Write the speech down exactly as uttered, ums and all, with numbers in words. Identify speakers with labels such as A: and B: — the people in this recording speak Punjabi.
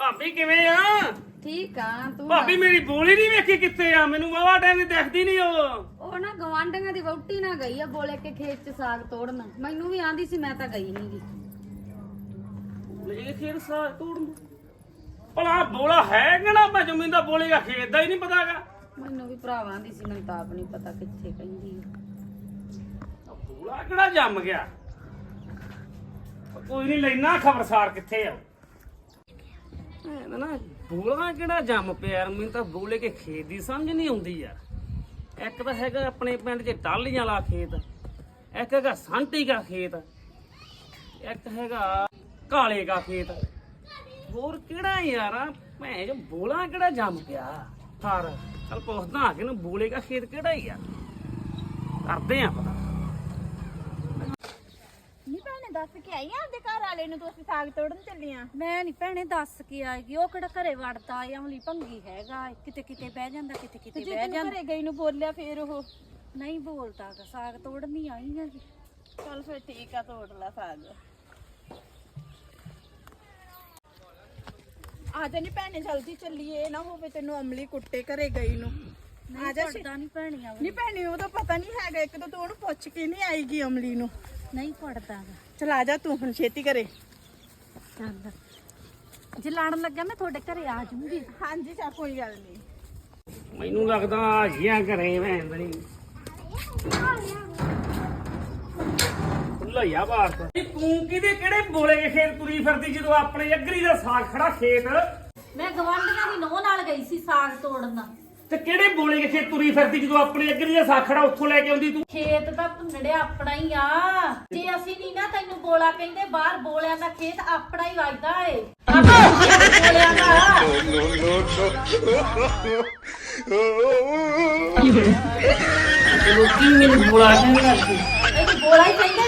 A: ਭਾਬੀ ਕਿਵੇਂ ਆ?
B: ਠੀਕ ਆ ਤੂੰ
A: ਭਾਬੀ ਮੇਰੀ ਬੋਲੀ ਨਹੀਂ ਵੇਖੀ ਕਿੱਥੇ ਆ? ਮੈਨੂੰ ਵਾਵਾ ਟਾਈਮ ਦੀ ਦਿਖਦੀ ਨਹੀਂ ਉਹ।
B: ਉਹ ਨਾ ਗਵਾਂਢੀਆਂ ਦੀ ਵਹੁਟੀ ਨਾ ਗਈ ਆ ਬੋਲੇ ਕੇ ਖੇਤ ਚ ਸਾਗ ਤੋੜਨ। ਮੈਨੂੰ ਵੀ ਆਂਦੀ ਸੀ, ਮੈਂ ਤਾਂ ਗਈ ਨੀ ਗੀ।
A: ਲੈ ਖੇਤ ਸਾਗ ਤੋੜਨ ਭਲਾ ਬੋਲਾ ਹੈ ਕਿ ਨਾ? ਮੈਂ ਜ਼ਮੀਨ ਦਾ ਬੋਲੇਗਾ ਖੇਤ ਦਾ ਹੀ ਨਹੀਂ ਪਤਾਗਾ।
B: ਮੈਨੂੰ ਵੀ ਭਰਾਵਾਂ ਆਂਦੀ ਸੀ, ਮੈਨੂੰ ਤਾਂ ਆਪ ਨਹੀਂ ਪਤਾ ਕਿੱਥੇ ਕਹਿੰਦੀ ਆ।
A: ਬੋਲਾ ਕਿਹੜਾ ਜੰਮ ਗਿਆ? ਕੋਈ ਨਹੀਂ ਲੈਣਾ ਖਬਰਸਾਰ ਕਿੱਥੇ ਆ। ਇਹ ਨਾ ਬੋਲਾ ਕਿਹੜਾ ਜੰਮ ਪਿਆ ਯਾਰ? ਮੈਨੂੰ ਤਾਂ ਬੋਲੇ ਕੇ ਖੇਤ ਦੀ ਸਮਝ ਨਹੀਂ ਆਉਂਦੀ ਯਾਰ। ਇੱਕ ਤਾਂ ਹੈਗਾ ਆਪਣੇ ਪਿੰਡ 'ਚ ਟਾਹਲੀਆਂ ਵਾਲਾ ਖੇਤ, ਇੱਕ ਹੈਗਾ ਸੰਟੀ ਦਾ ਖੇਤ, ਇੱਕ ਹੈਗਾ ਕਾਲੇ ਦਾ ਖੇਤ। ਹੋਰ ਕਿਹੜਾ ਯਾਰ? ਮੈਂ ਜੋ ਬੋਲਾ ਕਿਹੜਾ ਜੰਮ ਪਿਆ ਹਾਰ। ਚੱਲ ਪੁੱਛਦਾ ਆ ਕਿ ਨਾ ਬੋਲੇ ਦਾ ਖੇਤ ਕਿਹੜਾ ਹੀ ਆ, ਕਰਦੇ ਆ ਪਤਾ।
C: ਨੀ ਭੈਣੇ ਦੱਸ ਕੇ ਆਈ ਆ ਆਪਦੇ ਘਰ ਵਾਲੇ ਨੂੰ ਤੂੰ ਅਸੀਂ ਸਾਗ ਤੋੜਨ ਚੱਲੀਆਂ।
B: ਮੈਂ ਨਹੀਂ ਭੈਣੇ ਦੱਸ ਕੇ ਆਏਗੀ। ਉਹ ਕਿਹੜਾ ਘਰੇ ਵੜਦਾ ਅਮਲੀ ਭੰਗੀ ਹੈਗਾ, ਕਿਤੇ ਕਿਤੇ ਬਹਿ ਜਾਂਦਾ, ਕਿਤੇ ਕਿਤੇ
C: ਜੇ
B: ਬਹਿ
C: ਤੈਨੂੰ
B: ਜਾਂਦਾ।
C: ਘਰੇ ਗਈ ਨੂੰ ਬੋਲਿਆ ਫੇਰ ਉਹ
B: ਨਹੀਂ ਬੋਲਦਾ ਗਾ, ਸਾਗ ਤੋੜਨ ਨਹੀਂ ਆਈ ਹੈਗੀ।
C: ਚੱਲ ਫੇਰ ਠੀਕ ਆ, ਤੋੜ ਲੈ ਸਾਗ। ਆ ਜਾ ਨੀ ਭੈਣੇ ਜਲਦੀ ਚੱਲੀਏ, ਇਹ ਨਾ ਹੋਵੇ ਤੈਨੂੰ ਅਮਲੀ ਕੁੱਟੇ ਘਰੇ ਗਈ ਨੂੰ। ਆ ਜਾ
B: ਪੜਦਾ ਨਹੀਂ ਭੈਣੀ ਆ
C: ਨੀ ਭੈਣੇ ਉਹਦਾ ਪਤਾ ਨਹੀਂ ਹੈਗਾ, ਇੱਕ ਤਾਂ ਤੂੰ ਉਹਨੂੰ ਪੁੱਛ ਕੇ ਨਹੀਂ ਆਏਗੀ ਅਮਲੀ ਨੂੰ।
B: ਨਹੀਂ ਪੜਦਾ ਗਾ।
C: ਚਲ ਆ ਜਾ ਤੂੰ ਹੁਣ ਛੇਤੀ ਘਰੇ।
B: ਚੱਲ ਜੇ ਲੜਨ ਲੱਗਾ ਮੈਂ ਤੁਹਾਡੇ ਘਰੇ ਆ ਜਾਊਂਗੀ।
C: ਹਾਂਜੀ ਚਾ ਕੋਈ ਗੱਲ ਨਹੀਂ।
A: ਮੈਨੂੰ ਲੱਗਦਾ ਆ ਜੀਆਂ ਘਰੇ ਮੈਂ ਅੰਦਰੀ ਖੁੱਲਾ ਆ ਬਾਹਰ ਤੋਂ। ਤੂੰ ਕਿਹਦੇ ਕਿਹੜੇ ਬੋਲੇ ਕੇ ਖੇਤ ਤੁਰੀ ਫਿਰਦੀ ਜਦੋਂ ਆਪਣੇ ਅਗਰੀ ਦਾ ਸਾਗ ਖੜਾ ਖੇਤ?
B: ਮੈਂ ਗਵਾਂਢੀਆਂ ਦੀ ਨੋਹ ਨਾਲ ਗਈ ਸੀ ਸਾਗ ਤੋੜਨ।
A: ਤੇ ਕਿਹੜੇ ਬੋਲੇ ਕੇ ਖੇਤ ਤੁਰੀ ਫਿਰਦੀ ਜਦੋਂ ਆਪਣੇ ਅਗਰੀ ਦਾ ਸਾਗ ਖੜਾ ਉੱਥੋਂ ਲੈ ਕੇ ਆਉਂਦੀ ਤੂੰ?
B: ਖੇਤ ਤਾਂ ਭੁੰਨੜਿਆ ਆਪਣਾ ਹੀ ਆ। ਜੇ ਅਸੀਂ ਨਹੀਂ ਨਾ ਤੈਨੂੰ ਬੋਲਾ ਕਹਿੰਦੇ, ਬਾਹਰ ਬੋਲਿਆਂ ਦਾ ਖੇਤ ਆਪਣਾ ਹੀ ਵੱਜਦਾ ਏ। ਬੋਲਿਆਂ ਦਾ
A: ਲੋਕੀ ਮੈਨੂੰ ਬੋਲਾ ਕਹਿੰਦੇ
B: ਇਹ ਬੋਲਾ ਹੀ ਕਹਿੰਦੇ